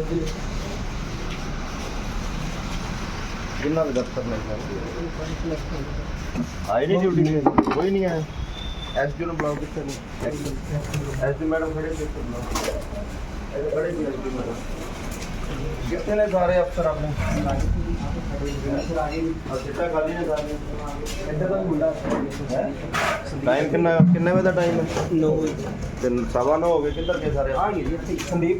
कितना दफ्तर में आए नहीं ड्यूटी में कोई नहीं आया एसपी ने बुलाओ किसने एसपी मैडम खड़े खड़े मैडम कितने ने सारे अफसर आपने टाइम किन्ने बजे टाइम है 9 सवा 9 हो गए किधर के सारे संदीप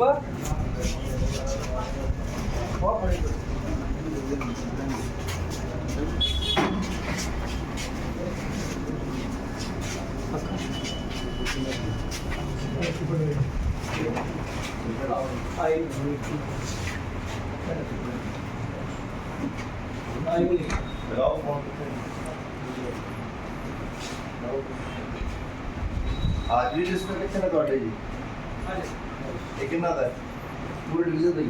आज भी रजिस्टर कितने ਤੁਹਾਡੇ ਜੀ ਇਹ ਕਿੰਨਾ ਦਾ ਪੂਰੀ ਡਿਵੀਜ਼ਨ ਦਾ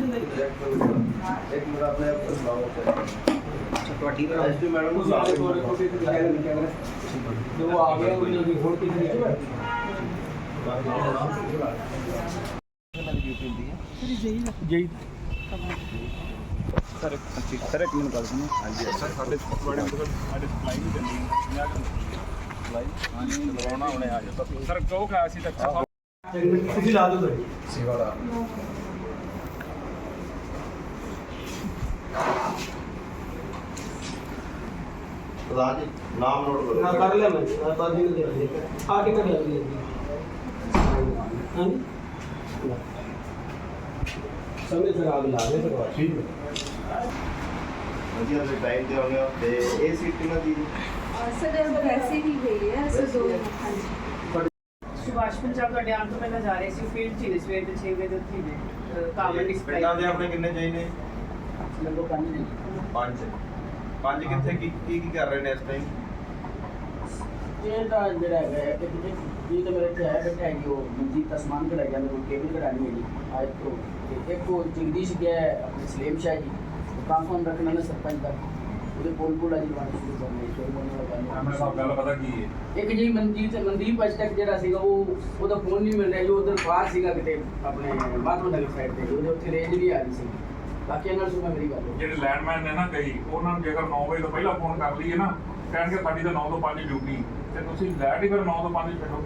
ਇੱਕ ਮਿੰਟ ਆਪਣੇ ਆਪ ਸੁਣਾਓ ਤੁਹਾਡੀ ਐਸਪੀ ਮੈਡਮ ਨੂੰ ਸਾਫ ਜੋ ਆ ਗਿਆ ਉਹਨਾਂ ਦੀ ਹੋਰ ਕਿੰਨੀ ਹੈ ਜੀ सर एक मिनट कर दूँ हाँ जी सर साढ़े बड़े मतलब साढ़े सप्लाई नहीं चलती 50 सप्लाई हाँ जी करवाना उन्हें आ जाता सर कहो खाया सी अच्छा ਤੁਸੀਂ ਲਾ ਦਿਓ ਤੁਹਾਡੀ ਸੇਵਾ ਦਾ ਰਾਜ ਨਾਮ ਨੋਟ ਕਰੋ ਨਾ ਕਰ ਲਿਆ ਮੈਂ ਬਾਦੀ ਨੂੰ ਦੇ ਆ ਕੇ ਕਰ ਲਿਆ ਹਾਂ ਸਮੇਂ ਸਿਰ ਆਗ ਲਾ ਦੇ ਸਕਵਾ ਠੀਕ ਹੈ ਵਧੀਆ ਦੇ ਟਾਈਮ ਤੇ ਆਉਣੇ ਤੇ ਇਹ ਸੀਟ ਕਿੰਨਾ ਦੀ सर वैसे ही गई है सर दो हाँ जी सुभाष पंजाब का डैम तो पहले जा रहे सी फील्ड थी सवेर ਦੇ 6 ਵਜੇ ਉੱਥੇ ਨੇ ਕਾਮਨ ਡਿਸਪਲੇ ਪਿੰਡਾਂ ਦੇ ਆਪਣੇ ਕਿੰਨੇ ਚਾਹੀਦੇ ਲਗੋ 5 ਨੇ 5 ਕਿੱਥੇ ਕੀ ਕਰ ਰਹੇ ਨੇ ਇਸ ਟਾਈਮ ਇਹ ਤਾਂ ਜਿਹੜਾ ਹੈ ਕਿ ਜੀ ਤਾਂ ਮੇਰੇ ਤੇ ਹੈ ਬੈਠਾ ਹੈ ਉਹ ਮਨਜੀਤ ਦਾ ਸਮਾਨ ਕਢਾਈ ਜਾਂਦੇ ਉਹ ਕੇਬਲ ਕਢਾਣੀ ਹੈ ਜੀ ਅੱਜ ਤੋਂ ਇੱਕ ਉਹ ਜਗਦੀਸ਼ ਗਿਆ ਆਪਣੇ ਸਲੇਮ ਸ਼ਾਹ ਜੀ ਟ੍ਰਾਂਸਫਾਰਮ ਰੱਖਣਾ ਨੇ ਸਰਪੰਚ ਦਾ ਉਹਦੇ ਕੋਲ ਆ ਜੀ ਬਾਤ ਸ਼ੁਰੂ ਕਰਨੀ ਸ਼ੁਰੂ ਹੋਣ ਵਾਲਾ ਆਪਣੇ ਸਭ ਗੱਲ ਪਤਾ ਕੀ ਹੈ ਇੱਕ ਜੀ ਮਨਦੀਪ ਅੱਜ ਤੱਕ ਜਿਹੜਾ ਸੀਗਾ ਉਹਦਾ ਫੋਨ ਨਹੀਂ ਮਿਲ ਰਿਹਾ ਜੋ ਉਧਰ ਬਾਹਰ ਸੀਗਾ ਕਿਤੇ ਆਪਣੇ ਮਾਧੋ ਨਗਰ ਸਾਈਡ ਤੇ ਉਹਦੇ ਉੱਥੇ ਰੇਂਜ ਵੀ ਆ ਰਹੀ ਸੀ ਬਾਕੀ ਨਾਲ ਸੁਣਾ ਮੇਰੀ ਗੱਲ ਜਿਹੜੇ ਲੈਂਡਮੈਨ ਨੇ ਨਾ ਕਈ ਉਹਨਾਂ ਨੂੰ ਜੇਕਰ 9 ਵਜੇ ਤੋਂ ਪਹਿਲਾਂ ਫੋਨ ਕਰ ਲਈਏ ਨਾ ਕਹਿਣਗੇ ਸਾਡੀ ਤਾਂ 9 ਤੋਂ 5 ਡਿਊਟੀ ਤੇ ਤੁਸੀਂ ਲੈਟ ਹੀ ਫਿਰ 9 ਤੋਂ 5 ਛੱਡੋ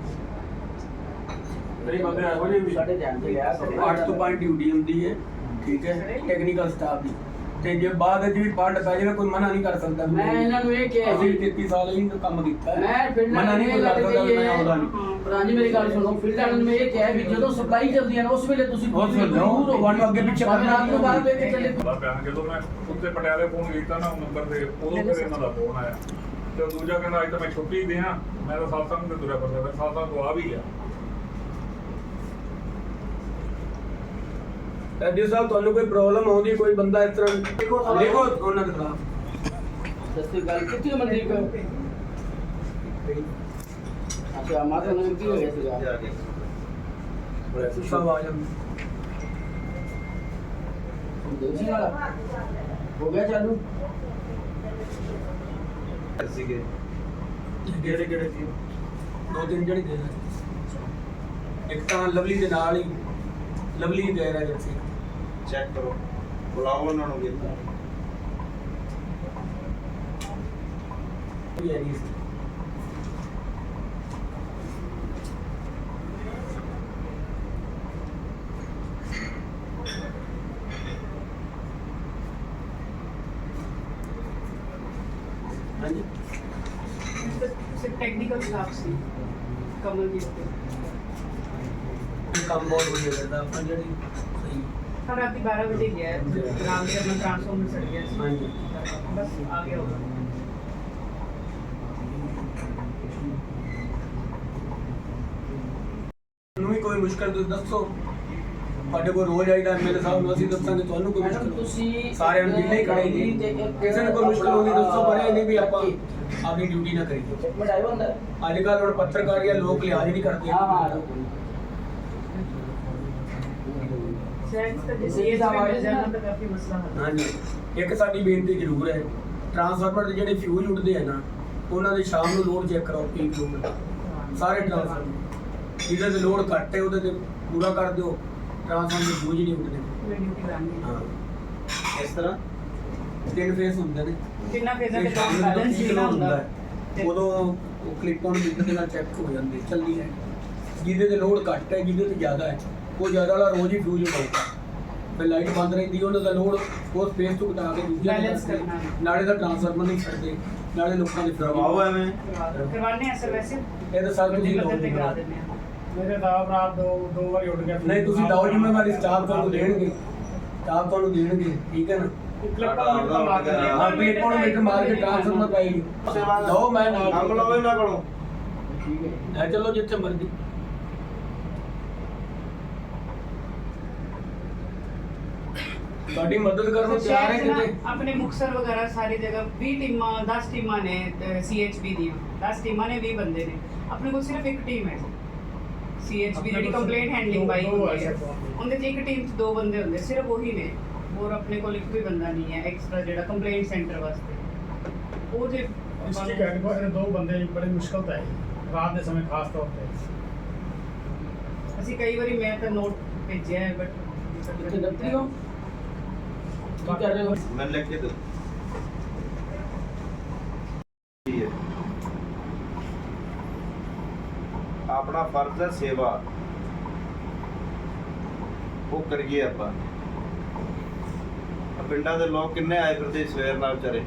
ਕਈ ਬੰਦੇ ਇਹੋ ਜਿਹੇ ਵੀ ਸਾਡੇ ਧਿਆਨ ਤੇ ਲਿਆ 8 ਤੋਂ 5 ਡਿਊਟੀ ਹੁੰਦੀ ਹੈ ਠੀਕ ਹੈ ਟੈਕਨੀਕਲ ਸਟਾਫ ਦੀ ਤੇ ਜੇ ਬਾਅਦ ਵਿੱਚ ਵੀ ਪਾਰਟ ਪੈ ਜਾਵੇ ਕੋਈ ਮਨਾ ਨਹੀਂ ਕਰ ਸਕਦਾ ਮੈਂ ਇਹਨਾਂ ਨੂੰ ਇਹ ਕਿਹਾ ਅਸੀਂ 33 ਸਾਲ ਹੀ ਕੰਮ ਕੀਤਾ ਮੈਂ ਫੀਲਡ ਮਨਾ ਨਹੀਂ ਕਰ ਸਕਦਾ ਮੈਂ ਆਉਂਦਾ ਨਹੀਂ ਪੁਰਾਣੀ ਮੇਰੀ ਗੱਲ ਸੁਣੋ ਫੀਲਡ ਵਾਲਿਆਂ ਨੂੰ ਮੈਂ ਇਹ ਕਿਹਾ ਵੀ ਜਦੋਂ ਸਪਲਾਈ ਚੱਲਦੀ ਹੈ ਨਾ ਉਸ ਵੇਲੇ ਤੁਸੀਂ ਬਹੁਤ ਜ਼ਰੂਰ ਵਨ ਅੱਗੇ ਪਿੱਛੇ ਰਾਤ ਨੂੰ ਬਾਹਰ ਲੈ ਕੇ ਚੱਲੇ ਜਦੋਂ ਮੈਂ ਉੱਤੇ ਪਟਿਆਲੇ ਫੋਨ ਕੀਤਾ ਨਾ ਉਹ ਨੰਬਰ ਤੇ ਉਦੋਂ ਫਿਰ ਇਹਨਾਂ ਦਾ ਫੋਨ ਆਇਆ ਤੇ ਦੂਜਾ ਕਹਿੰਦਾ ਅੱਜ ਤਾਂ ਮੈਂ ਛੁੱਟੀ ਤੇ ਹਾਂ ਮੈਂ ਤਾਂ ਸਾਲਸਾਂ ਨੂੰ ਤੁਰਿਆ ਫਿਰਦਾ ਫਿਰ ਸਾਲਸਾਂ ਤੋਂ ਆ ਵੀ ਗਿਆ ਐਡੀ ਸਾਹਿਬ ਤੁਹਾਨੂੰ ਕੋਈ ਪ੍ਰੋਬਲਮ ਆਉਂਦੀ ਕੋਈ ਬੰਦਾ ਇਸ ਤਰ੍ਹਾਂ ਲਿਖੋ ਉਹਨਾਂ ਦੇ ਖਿਲਾਫ ਦੱਸੋ ਗੱਲ ਕਿੱਥੇ ਮਨਦੀਪ ਅੱਛਾ ਮਾਤਾ ਨੂੰ ਕੀ ਹੋ ਗਿਆ ਸੀਗਾ ਸਭ ਆ ਜਾਂਦੇ ਦੇਸੀ ਵਾਲਾ ਹੋ ਗਿਆ ਚਾਲੂ ਸੀਗੇ ਕਿਹੜੇ ਸੀ ਦੋ ਤਿੰਨ ਜਿਹੜੇ ਦੇ ਇੱਕ ਤਾਂ ਲਵਲੀ ਦੇ ਨਾਲ ਹੀ ਲਵਲੀ ਦੇ ਰਿਹਾ ਜਿਵੇਂ ਚੈੱਕ ਕਰੋ ਬੁਲਾਓ ਉਹਨਾਂ ਨੂੰ ਵੀ ਇਹ ਹੈ ਹਾਂਜੀ ਸਿਰਫ ਟੈਕਨੀਕਲ ਸਟਾਫ ਸੀ ਕਮਲਜੀਤ ਤੇ ਕੰਮ ਬਹੁਤ ਵਧੀਆ ਕਰਦਾ ਆਪਾਂ ਜਿਹੜੀ ਸਹੀ ਹਾਂ ਰਾਤੀ 12 ਵਜੇ ਗਿਆ ਨਾਮ ਦੇ ਆਪਣਾ ਟ੍ਰਾਂਸਫਾਰਮਰ ਸੜ ਗਿਆ ਸੀ ਹਾਂਜੀ ਬਸ ਆ ਗਿਆ ਹੋਗਾ ਨੂੰ ਵੀ ਕੋਈ ਮੁਸ਼ਕਲ ਤੁਸੀਂ ਦੱਸੋ ਤੁਹਾਡੇ ਕੋਲ ਰੋਜ਼ ਆਈਦਾ ਐਮਐਲਏ ਸਾਹਿਬ ਨੂੰ ਅਸੀਂ ਦੱਸਾਂਗੇ ਤੁਹਾਨੂੰ ਕੋਈ ਮੁਸ਼ਕਲ ਤੁਸੀਂ ਸਾਰਿਆਂ ਨੂੰ ਜਿੰਨੇ ਖੜੇ ਜੀ ਕਿਸੇ ਨੂੰ ਕੋਈ ਮੁਸ਼ਕਲ ਹੋਗੀ ਦੱਸੋ ਪਰ ਇਹ ਨਹੀਂ ਵੀ ਆਪਾਂ ਆਪਣੀ ਡਿਊਟੀ ਨਾ ਕਰੀਏ ਇੱਕ ਮਿੰਟ ਆਇਓ ਅੰਦਰ ਅੱਜ ਕੱਲ੍ਹ ਹੁਣ ਪੱਤਰਕਾਰੀਆਂ ਲੋਕ ਲਿਹਾਜ਼ ਨਹੀਂ ਕਰਦੇ ਸੈਂਸ ਤਾਂ ਜੇ ਮਿਲ ਜਾਣਾ ਤਾਂ ਕਾਫੀ ਮਸਲਾ ਹੱਲ ਹਾਂਜੀ ਇੱਕ ਸਾਡੀ ਬੇਨਤੀ ਜ਼ਰੂਰ ਹੈ ਟਰਾਂਸਫਾਰਮਰ ਦੇ ਜਿਹੜੇ ਫਿਊਜ਼ ਉੱਡਦੇ ਆ ਨਾ ਉਹਨਾਂ ਦੇ ਸ਼ਾਮ ਨੂੰ ਲੋਡ ਚੈੱਕ ਕਰਾਓ ਪੀਕ ਲੋਡ ਸਾਰੇ ਟਰਾਂਸਫਾਰਮਰ ਜਿਹਦੇ ਤੇ ਲੋਡ ਘੱਟ ਹੈ ਉਹਦੇ ਤੇ ਪੂਰਾ ਕਰ ਦਿਓ ਟਰਾਂਸਫਾਰਮਰ ਦੇ ਫਿਊਜ਼ ਨਹੀਂ ਉੱਡਦੇ ਕੋਲ ਡਿਊਟੀ ਲਾਣੀ ਹਾਂ ਇਸ ਤਰ੍ਹਾਂ 3 ਫੇਸ ਹੁੰਦੇ ਨੇ ਜਿੰਨਾ ਫੇਜ਼ਾਂ ਇਹ ਦੇ ਸ਼ਾਮ ਕੰਮ ਨੂੰ ਜਦੋਂ ਬੈਲੈਂਸ peak ਨਹੀਂ ਹੁੰਦਾ ਹੁੰਦਾ ਹੈ, ਉਦੋਂ ਉਹ ਕਲਿੱਪ ਔਨ ਮੀਟਰ ਦੇ ਨਾਲ ਚੈੱਕ ਹੋ ਜਾਂਦੇ ਚੱਲਦੀ ਹੈ। ਜਿਹਦੇ ਤੇ ਲੋਡ ਘੱਟ ਹੈ ਜਿਹਦੇ ਤੇ ਜ਼ਿਆਦਾ ਹੈ ਉਹ ਜ਼ਿਆਦਾ ਵਾਲਾ ਰੋਜ਼ ਹੀ ਫਿਊਜ਼ ਹੁੰਦਾ। ਫਿਰ ਲਾਈਟ ਬੰਦ ਰਹਿੰਦੀ ਹੈ, ਉਹਨਾਂ ਦਾ ਲੋਡ ਉਸ ਸਪੇਸ ਤੋਂ ਘਟਾ ਕੇ ਦੂਜੇ Balance ਕਰਨਾ। ਨਾਲੇ ਦਾ ਟਰਾਂਸਫਾਰਮਰ ਨਹੀਂ ਛੱਡਦੇ, ਨਾਲੇ ਲੋਕਾਂ ਦੇ ਕਰਵਾਓ ਐਵੇਂ ਕਰਵਾਉਂਦੇ ਆ ਸਰ ਵੈਸੇ ਇਹ ਤਾਂ ਸਾਲ ਤੁਸੀਂ ਪੱਧਰ ਤੇ ਕਰਾ ਲਾਓ। ਦਿੰਦੇ ਆ। ਮੇਰੇ ਤਾਂ ਆਪ ਰਾਤ ਦੋ ਵਾਰੀ ਉੱਡ ਗਿਆ ਨਹੀਂ ਤੁਸੀਂ ਲਾਓ ਜ਼ਿੰਮੇਵਾਰੀ ਸਟਾਫ ਤੁਹਾਨੂੰ ਦੇਣਗੇ, ਸਟਾਫ ਤੁਹਾਨੂੰ ਦੇਣਗੇ, ਠੀਕ ਹੈ ਨਾ। ਹਾਂ ਕਲਿੱਪ ਔਨ ਮੀਟਰ ਮਾਰ ਕੇ ਟਰਾਂਸਫਾਰਮਰ ਪਾਈ ਦੋ ਮੈਂ ਨਾਲ ਕੰਮ ਲਓ ਇਹਨਾਂ ਕੋਲੋਂ ਠੀਕ ਹੈ ਲੈ ਚਲੋ ਜਿੱਥੇ ਮਰਜ਼ੀ। ਤੁਹਾਡੀ ਮਦਦ ਕਰਨ ਨੂੰ ਸਰ, ਤਿਆਰ ਹੈ ਸ਼ਹਿਰ 'ਚ ਨਾ ਕਿਤੇ। ਆਪਣੇ ਮੁਕਤਸਰ ਵਗੈਰਾ ਸਾਰੀ ਜਗ੍ਹਾ 20 ਟੀਮਾਂ 10 ਟੀਮਾਂ ਨੇ CHB ਦੀਆਂ 10 ਟੀਮਾਂ ਨੇ 20 ਬੰਦੇ ਨੇ। ਆਪਣੇ ਕੋਲ ਸਿਰਫ ਇੱਕ ਟੀਮ ਹੈ CHB ਜਿਹੜੀ ਕੰਪਲੇਂਟ ਹੈਂਡਲਿੰਗ ਬਾਈ ਹੁੰਦੀ ਹੈ, ਉਹਦੇ 'ਚ ਇੱਕ ਟੀਮ 'ਚ 2 ਬੰਦੇ ਹੁੰਦੇ, ਸਿਰਫ ਉਹੀ ਨੇ। ਹੋਰ ਆਪਣੇ ਕੋਲ ਇੱਕ ਵੀ ਬੰਦਾ ਨਹੀਂ ਹੈ ਐਕਸਟਰਾ ਜਿਹੜਾ ਕੰਪਲੇਂਟ ਸੈਂਟਰ ਵਾਸਤੇ। ਉਹ ਜੇ ਡਿਸਟ੍ਰਿਕਟ ਹੈਡਕੁਆਟਰ 2 ਬੰਦੇ ਬੜੀ ਮੁਸ਼ਕਲ ਤਾਂ ਹੈ ਰਾਤ ਦੇ ਸਮੇਂ ਖਾਸ ਤੌਰ ਤੇ। ਅਸੀਂ ਕਈ ਵਾਰੀ ਮੈਂ ਤਾਂ ਨੋਟ ਭੇਜਿਆ ਹੈ ਕਿੱਥੇ ਦਫ਼ਤਰੀ ਹੋ ਕੀ ਕਰ ਰਹੇ ਹੋ ਮੈਂ ਲਿਖ ਕੇ ਦੇ ਆਪਣਾ ਫਰਜ਼ ਹੈ ਸੇਵਾ, ਉਹ ਕਰੀਏ ਆਪਾਂ। ਆਹ ਪਿੰਡਾਂ ਦੇ ਲੋਕ ਕਿੰਨੇ ਆਏ ਫਿਰਦੇ ਸਵੇਰ ਨਾਲ ਵਿਚਾਰੇ,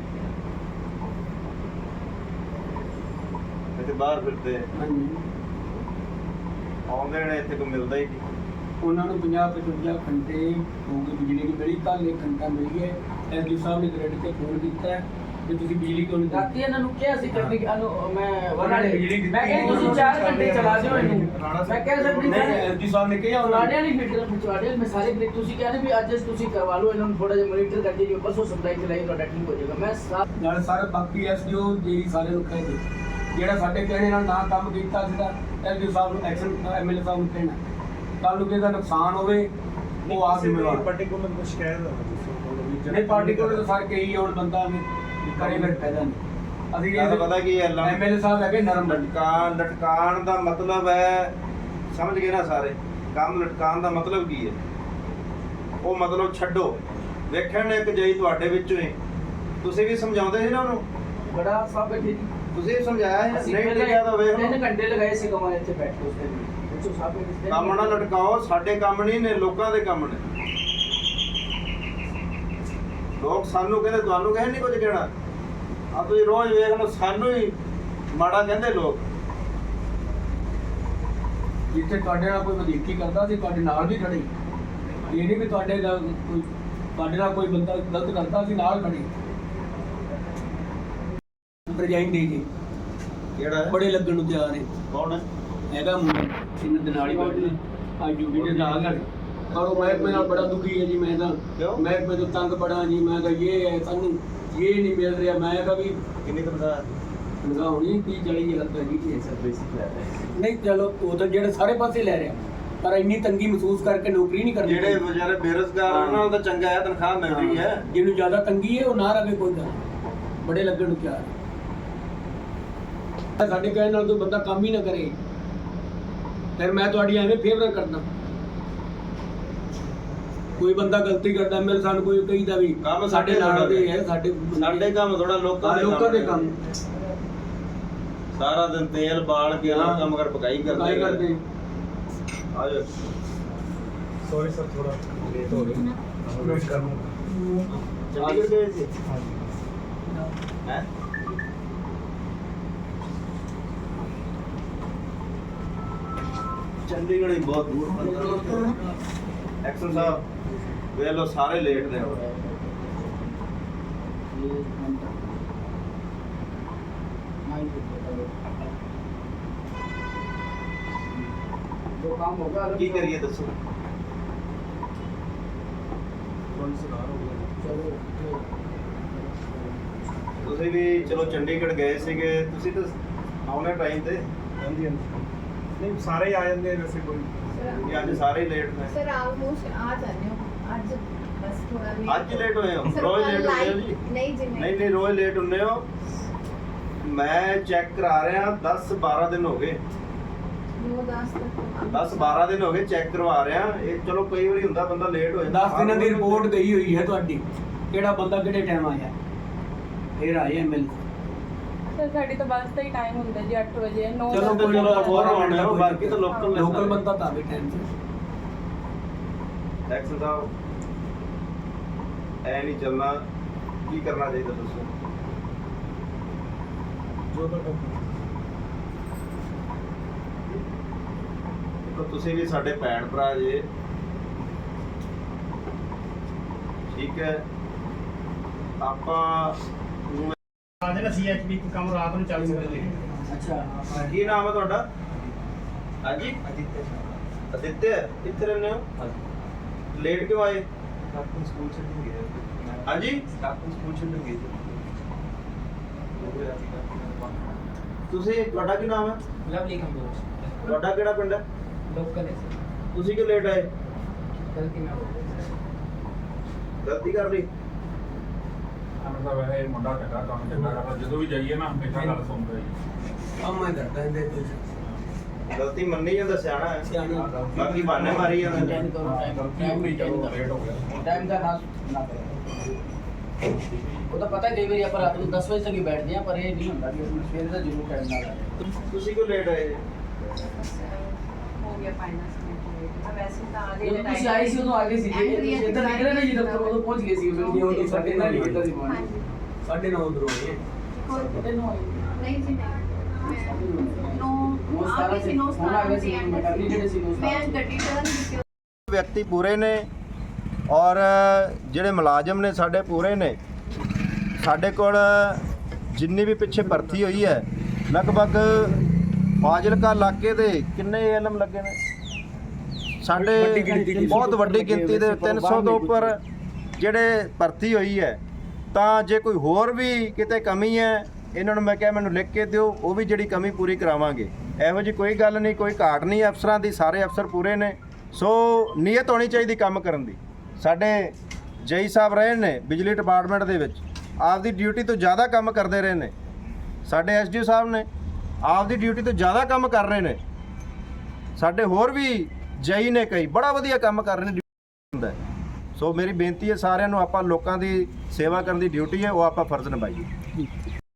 ਇੱਥੇ ਬਾਹਰ ਫਿਰਦੇ ਹਾਂਜੀ ਆਉਂਦੇ ਨੇ, ਇੱਥੇ ਕੋਈ ਮਿਲਦਾ ਹੀ ਨਹੀਂ। ਉਹਨਾਂ ਨੂੰ 50-55 ਘੰਟੇ ਹੋ ਗਏ ਬਿਜਲੀ ਦੀ ਮਿਲੀ, ਕੱਲ੍ਹ 1 ਘੰਟਾ ਮਿਲੀ ਹੈ। ਐਸਡੀ ਸਾਹਿਬ ਨੇ ਗ੍ਰਿਡ ਤੇ ਫੋਨ ਕੀਤਾ ਹੈ ਕਿ ਤੁਸੀਂ ਬਿਜਲੀ ਕਿਉਂ ਨਹੀਂ ਰਾਤੀ ਦਿੱਤੀ। ਇਹਨਾਂ ਨੂੰ ਕਿਹਾ ਸੀ ਕਰਨੀ ਮੈਂ ਉਹਨਾਂ ਨੇ ਬਿਜਲੀ ਦਿੱਤੀ। ਮੈਂ ਕਿਹਾ ਤੁਸੀਂ 4 ਘੰਟੇ ਚਲਾ ਦਿਓ ਇਹਨੂੰ। ਮੈਂ ਕਹਿ ਸਕਦੀ ਨਹੀਂ ਐਸਡੀ ਸਾਹਿਬ ਨੇ ਕਿਹਾ ਉਹਨਾਂ ਲਾੜਿਆਂ ਨਹੀਂ ਫਿੱਟ ਪਿਛਵਾੜੇ ਮੈਂ ਸਾਰੇ ਬ੍ਰੇਕ ਤੁਸੀਂ ਕਹਿੰਦੇ ਵੀ ਅੱਜ ਤੁਸੀਂ ਕਰਵਾ ਲਓ ਇਹਨਾਂ ਨੂੰ ਥੋੜਾ ਜਿਹਾ ਮੋਨੀਟਰ ਕਰਕੇ ਜੋ ਪਰਸੋਂ ਸਪਲਾਈ ਚਲਾਈ ਤੁਹਾਡਾ ਠੀਕ ਹੋ ਜਾਏਗਾ। ਮੈਂ ਨਾਲ ਸਾਰੇ ਬਾਕੀ ਐਸਡੀਓ ਜਿਹੜੀ ਸਾਰੇ ਨੂੰ ਕਹਿੰਦੇ ਜਿਹੜਾ ਸਾਡੇ ਕਹਿਣੇ ਨਾਲ ਨਾ ਕੰਮ ਕੀਤਾ ਸੀਗਾ ਐਸਡੀਓ ਸਾਹਿਬ ਨੂੰ ਐਕਸ਼ਨ ਐਮਐਲਏ ਸਾਹਿਬ ਨੂੰ ਕਹਿਣਾ ਕੱਲ ਨੂੰ ਕਿਸੇ ਦਾ ਨੁਕਸਾਨ ਹੋਵੇ ਉਹ ਆਪ ਜ਼ਿੰਮੇਵਾਰ। ਪਾਰਟਿਕੂਲਰ ਕੋਈ ਸ਼ਿਕਾਇਤ ਹੋਵੇ ਨਹੀਂ ਪਾਰਟੀ ਕੋਲ ਤਾਂ ਸਾਰੇ ਕਈ ਹੁਣ ਬੰਦਾ ਕਰੇ ਫਿਰ ਫਾਇਦਾ ਨਹੀਂ। ਅਸੀਂ ਗੱਲ ਪਤਾ ਕੀ ਹੈ, ਐਮਐਲਏ ਸਾਹਿਬ ਹੈਗੇ ਨਰਮ ਬੰਦੇ। ਲਟਕਾਣ ਦਾ ਮਤਲਬ ਹੈ, ਸਮਝ ਗਏ ਨਾ ਸਾਰੇ, ਕੰਮ ਲਟਕਾਣ ਦਾ ਮਤਲਬ ਕੀ ਹੈ? ਉਹ ਮਤਲਬ ਛੱਡੋ। ਵੇਖਣ ਇੱਕ ਜਈ ਤੁਹਾਡੇ ਵਿੱਚੋਂ ਹੀ ਤੁਸੀਂ ਵੀ ਸਮਝਾਉਂਦੇ ਸੀ ਨਾ ਉਹਨੂੰ, ਬੜਾ ਸਾਹਿਬ ਬੈਠੇ ਜੀ ਤੁਸੀਂ ਵੀ ਸਮਝਾਇਆ ਸੀ, ਨਹੀਂ ਪਹਿਲਾਂ ਲਿਖਿਆ ਤਾਂ ਵੇਖ 3 ਲਓ। ਘੰਟੇ ਲਗਾਏ ਸੀ ਕਮਾਂ ਇੱਥੇ ਬੈਠ ਕੇ ਉਸ ਦਿਨ ਪੁੱਛੋ ਸਾਹਿਬ ਕਿਸ ਕੰਮ ਨਾ ਲਟਕਾਓ, ਸਾਡੇ ਕੰਮ ਨਹੀਂ ਨੇ, ਲੋਕਾਂ ਦੇ ਕੰਮ ਨੇ। ਲੋਕ ਸਾਨੂੰ ਕਹਿੰਦੇ, ਤੁਹਾਨੂੰ ਕਹਿੰਦੇ ਨਹੀਂ ਕੁਝ ਕਹਿਣਾ। ਆ ਤੁਸੀਂ ਰੋਜ਼ ਵੇਖ ਲਓ, ਸਾਨੂੰ ਹੀ ਮਾੜਾ ਕਹਿੰਦੇ ਲੋਕ। ਜਿੱਥੇ ਤੁਹਾਡੇ ਨਾਲ ਕੋਈ ਵਧੀਕੀ ਕਰਦਾ ਸੀ ਤੁਹਾਡੇ ਨਾਲ ਵੀ ਖੜੇ। ਇਹ ਨਹੀਂ ਵੀ ਤੁਹਾਡੇ ਨਾਲ ਕੋਈ ਤੁਹਾਡੇ ਨਾਲ ਕੋਈ ਬੰਦਾ ਗਲਤ ਕਰਦਾ ਸੀ ਨਾਲ ਖੜੇ। ਪ੍ਰਜਾਈਂ ਦੇ ਜੀ ਕਿਹੜਾ ਹੈ? ਬੜੇ ਲੱਗਣ ਨੂੰ ਤਿਆਰ ਹੈ। ਕੌਣ ਹੈ? ਹੈਗਾ ਮੁੰਡਾ ਇਹਨਾਂ ਦੇ ਨਾਲ ਹੀ ਬੈਠੇ ਅੱਜ ਡਿਊਟੀ ਦੇ ਨਾਲ ਪਰ ਉਹ ਮਹਿਕਮੇ ਨਾਲ ਬੜਾ ਦੁਖੀ ਹੈ ਜੀ। ਮੈਂ ਤਾਂ ਕਿਉਂ? ਮਹਿਕਮੇ ਤੋਂ ਤੰਗ ਬੜਾ ਜੀ। ਮੈਂ ਤਾਂ ਇਹ ਹੈ ਸਾਨੂੰ ਇਹ ਨਹੀਂ ਮਿਲ ਰਿਹਾ। ਮੈਂ ਕਿਹਾ ਵੀ ਕਿੰਨੀ ਤਨਖਾਹ? ਤਨਖਾਹ ਹੋਣੀ 30-40 ਹਜ਼ਾਰ ਰੁਪਏ ਦੀ ਨਹੀਂ ਚਲੋ ਉਹ ਤਾਂ ਜਿਹੜੇ ਸਾਰੇ ਪਾਸੇ ਲੈ ਰਿਹਾ ਪਰ ਇੰਨੀ ਤੰਗੀ ਮਹਿਸੂਸ ਕਰਕੇ ਨੌਕਰੀ ਨਹੀਂ ਕਰਨੀ। ਜਿਹੜੇ ਵਿਚਾਰੇ ਬੇਰੁਜ਼ਗਾਰ ਆ, ਉਹਨਾਂ ਨੂੰ ਤਾਂ ਚੰਗਾ ਹੈ, ਤਨਖਾਹ ਮਿਲ ਰਹੀ ਹੈ। ਜਿਹਨੂੰ ਜ਼ਿਆਦਾ ਤੰਗੀ ਹੈ ਉਹ ਨਾ ਰਵੇ ਕੋਈ ਗੱਲ। ਬੜੇ ਲੱਗਣ ਨੂੰ ਤਿਆਰ ਹੈ। ਸਾਡੇ ਕਹਿਣ ਨਾਲ ਕੋਈ ਬੰਦਾ ਕੰਮ ਹੀ ਨਾ ਕਰੇ ਫਿਰ ਮੈਂ ਤੁਹਾਡੀ ਐਵੇਂ ਫੇਵਰ ਕਰਦਾ। ਕੋਈ ਬੰਦਾ ਗਲਤੀ ਕਰਦਾ ਮੇਰੇ ਸਾਨੂੰ ਕੋਈ ਕਹੀਦਾ ਵੀ ਕੰਮ ਸਾਡੇ ਨਾਲ ਦੇ ਹੈ ਸਾਡੇ ਕੰਮ ਥੋੜਾ ਲੋਕਾਂ ਦੇ ਕੰਮ ਸਾਰਾ ਦਿਨ ਤੇਲ ਬਾਲ ਕੇ ਹਾਂ। ਕੰਮ ਕਰ ਪਕਾਈ ਕਾਈ ਕਰਦੇ। ਆ ਜਾਓ। ਸੌਰੀ ਸਰ ਥੋੜਾ ਲੇਟ ਹੋ ਗਏ ਵੇਟ ਕਰ ਲੂੰ। ਚੰਡੀਗੜ੍ਹ ਗਏ ਸੀ ਹੈ? ਚੰਡੀਗੜ੍ਹ ਹੀ ਬਹੁਤ ਦੂਰ ਪੈਂਦਾ। ਐਕਸ਼ਨ ਸਾਹਿਬ ਵੇਖ ਲਓ, ਸਾਰੇ ਲੇਟ ਨੇ। जो काम होगा ਕੀ ਕਰੀਏ ਦੱਸੋ? चलो ਤੁਸੀਂ ਵੀ ਚਲੋ ਚੰਡੀਗੜ੍ਹ ਗਏ ਸੀਗੇ, ਤੁਸੀਂ ਤਾਂ ਆਉਣੇ ਟਾਈਮ ਤੇ। ਹਾਂਜੀ ਹਾਂਜੀ ਨਹੀਂ ਸਾਰੇ ਹੀ ਆ ਜਾਂਦੇ ਆ ਵੈਸੇ ਕੋਈ ਕਿ ਅੱਜ ਸਾਰੇ ਹੀ ਲੇਟ ਨੇ। सर ऑलमोस्ट आ जाने हो आज बस थोड़ा भी ਅੱਜ ਲੇਟ ਹੋਏ ਹੋ? सर, ਰੋਜ਼ कल ਲੇਟ ਹੁੰਦੇ ਹੋ लाइट- ਜੀ? नहीं जी ਨਹੀਂ ਨਹੀਂ, ਰੋਜ਼ ਲੇਟ ਹੁੰਦੇ ਹੋ। ਮੈਂ ਚੈੱਕ ਕਰਾ ਰਿਹਾ 10-12 ਦਿਨ ਹੋ ਗਏ। 10 तक 10 12 ਦਿਨ ਹੋ ਗਏ ਚੈੱਕ ਕਰਵਾ ਰਿਹਾ ਇਹ। ਚਲੋ ਕਈ ਵਾਰੀ ਹੁੰਦਾ ਬੰਦਾ ਲੇਟ ਹੋ ਜਾਂਦਾ। 10 ਦਿਨਾਂ ਦੀ ਰਿਪੋਰਟ ਗਈ ਹੋਈ ਹੈ ਤੁਹਾਡੀ, ਕਿਹੜਾ ਬੰਦਾ ਕਿਹੜੇ ਟਾਈਮ ਆਇਆ, ਫਿਰ ਆਏ ਮਿਲ। ਸਰ ਸਾਡੀ ਤਾਂ ਬੱਸ ਦਾ ਹੀ ਟਾਈਮ ਹੁੰਦਾ ਜੀ 8 ਵਜੇ 9 ਚਲੋ ਕੋਈ ਨਾ, ਹੋਰ ਆਉਣਾ ਹੈ, ਬਾਕੀ ਤਾਂ ਲੋਕਲ ਲੋਕਲ ਬੰਦਾ ਤਾਂ ਵੀ ਟਾਈਮ ਤੇ। ਐਕਸ਼ਨ ਸਾਹਿਬ ਐ ਨਹੀਂ ਚੱਲਣਾ, ਕੀ ਕਰਨਾ ਚਾਹੀਦਾ ਦੱਸੋ? ਦੇਖੋ ਤੁਸੀਂ ਵੀ ਸਾਡੇ ਭੈਣ ਭਰਾ ਜੇ, ਠੀਕ ਹੈ। ਆਪਾਂ ਆਦੇ ਨਾ ਸੀਐਚਪੀ ਕੰਮ ਰਾਤ ਨੂੰ ਚੱਲ ਸਕਦੇ ਨੇ। ਅੱਛਾ ਕੀ ਨਾਮ ਹੈ ਤੁਹਾਡਾ? ਹਾਂਜੀ ਅਦਿੱਤਿਆ, ਕਿੱਥੇ ਰਹਿੰਦੇ ਹੋ? ਲੇਟ ਕਿਉਂ ਆਏ? ਸਕੂਲ ਛੱਡਣ ਗਏ। ਹਾਂਜੀ ਸਕੂਲ ਛੱਡਣ ਗਏ। ਤੁਸੀਂ, ਤੁਹਾਡਾ ਕੀ ਨਾਮ ਹੈ? ਲਵਲੀ ਕੰਬੋਜ ਤੁਹਾਡਾ ਕਿਹੜਾ ਪਿੰਡ ਹੈ? ਲੋਕਲ ਹੈ ਸਰ। ਤੁਸੀਂ ਕਿਉਂ ਲੇਟ ਆਏ? ਗਲਤੀ ਨਾਲ ਹੋ ਗਈ ਗਲਤੀ ਕਰ ਲਈ? ਅਮਰ ਸਾਹਿਬ ਇਹ ਮੁੰਡਾ ਚੰਗਾ ਕੰਮ ਚੰਗਾ ਕਰਦਾ, ਜਦੋਂ ਵੀ ਜਾਈਏ ਨਾ ਹਮੇਸ਼ਾ ਗੱਲ ਸੁਣਦਾ ਜੀ। ਕੰਮ ਮੈਂ ਕਰਦਾ ਇਹਦੇ ਕੁਝ ਗਲਤੀ ਮੰਨੀ ਜਾਂਦਾ, ਸਿਆਣਾ ਹੈ। ਸਿਆਣਾ। ਬਾਕੀ ਬਹਾਨੇ ਮਾਰੀ ਜਾਂਦਾ। ਟਾਈਮ ਕਰੋ, ਟਾਈਮ ਨਹੀਂ ਚਲੋ ਲੇਟ ਹੋ ਗਿਆ। ਟਾਈਮ ਦਾ ਨਾ ਕਰੋ। ਉਹ ਤਾਂ ਪਤਾ ਕਈ ਵਾਰੀ ਆਪਾਂ ਰਾਤ ਨੂੰ 10 ਵਜੇ ਤੱਕ ਹੀ ਬੈਠਦੇ ਆ, ਪਰ ਇਹ ਨਹੀਂ ਹੁੰਦਾ ਕਿ ਅਸੀਂ ਸਵੇਰ ਦਾ ਜ਼ਰੂਰ ਟਾਈਮ ਨਾਲ ਆਏ। ਤੁਸੀਂ ਕਿਉਂ ਲੇਟ ਆਏ? हो गया फाइनेंस में वैसे तो आधे ਜਦੋਂ ਤੁਸੀਂ ਆਏ ਸੀ ਉਦੋਂ ਆ ਗਏ ਸੀ ਜੀ, ਤੁਸੀਂ ਇੱਧਰ ਨਿਕਲੇ ਨਾ ਜੀ ਦਫ਼ਤਰ, ਉਦੋਂ ਪਹੁੰਚ ਗਏ ਸੀ ਉਦੋਂ ਉਹ ਨਹੀਂ ਸਾਡੇ ਨਾਲ ਨਹੀਂ ਇੱਧਰ ਦੀ हाँ ਮਾਰਨੀ। जी 9:30 ਉਧਰੋਂ ਆਏ। नहीं जी नहीं नो आगे से नो ਹੁਣ ਆ ਗਏ ਸੀ ਮੈਟਰਨੀ ਜਿਹੜੇ ਸੀ ਨੋ मैं गड्डी टर्न की ਵਿਅਕਤੀ ਪੂਰੇ ਨੇ ਔਰ ਜਿਹੜੇ ਮੁਲਾਜ਼ਮ ਨੇ ਸਾਡੇ ਪੂਰੇ ਨੇ। ਸਾਡੇ ਕੋਲ ਜਿੰਨੀ ਵੀ ਪਿੱਛੇ ਭਰਤੀ ਹੋਈ ਹੈ, ਲਗਭਗ ਫਾਜ਼ਿਲਕਾ ਇਲਾਕੇ ਦੇ ਕਿੰਨੇ ਏਐਲਐਮ ਲੱਗੇ ਨੇ ਸਾਡੇ? ਬਹੁਤ ਵੱਡੀ ਗਿਣਤੀ ਦੇ 300 ਤੋਂ ਉੱਪਰ ਜਿਹੜੇ ਭਰਤੀ ਹੋਈ ਹੈ। ਤਾਂ ਜੇ ਕੋਈ ਹੋਰ ਵੀ ਕਿਤੇ ਕਮੀ ਹੈ, ਇਹਨਾਂ ਨੂੰ ਮੈਂ ਕਿਹਾ ਮੈਨੂੰ ਲਿਖ ਕੇ ਦਿਓ, ਉਹ ਵੀ ਜਿਹੜੀ ਕਮੀ ਪੂਰੀ ਕਰਾਵਾਂਗੇ। ਇਹੋ ਜਿਹੀ ਕੋਈ ਗੱਲ ਨਹੀਂ, ਕੋਈ ਘਾਟ ਨਹੀਂ ਅਫਸਰਾਂ ਦੀ, ਸਾਰੇ ਅਫਸਰ ਪੂਰੇ ਨੇ। ਸੋ ਨੀਅਤ ਹੋਣੀ ਚਾਹੀਦੀ ਕੰਮ ਕਰਨ ਦੀ। ਸਾਡੇ ਜਈ ਸਾਹਿਬ ਰਹੇ ਨੇ ਬਿਜਲੀ ਡਿਪਾਰਟਮੈਂਟ ਦੇ ਵਿੱਚ, ਆਪਦੀ ਡਿਊਟੀ ਤੋਂ ਜ਼ਿਆਦਾ ਕੰਮ ਕਰਦੇ ਰਹੇ ਨੇ। ਸਾਡੇ ਐਸਡੀਓ ਸਾਹਿਬ ਨੇ ਆਪਦੀ ਡਿਊਟੀ ਤੋਂ ਜ਼ਿਆਦਾ ਕੰਮ ਕਰ ਰਹੇ ਨੇ। ਸਾਡੇ ਹੋਰ ਵੀ ਜਈ ਨੇ ਕਈ ਬੜਾ ਵਧੀਆ ਕੰਮ ਕਰ ਰਹੇ ਨੇ। ਸੋ ਮੇਰੀ ਬੇਨਤੀ ਹੈ ਸਾਰਿਆਂ ਨੂੰ, ਆਪਾਂ ਲੋਕਾਂ ਦੀ ਸੇਵਾ ਕਰਨ ਦੀ ਡਿਊਟੀ ਹੈ, ਉਹ ਆਪਾਂ ਫਰਜ਼ ਨਿਭਾਈਏ।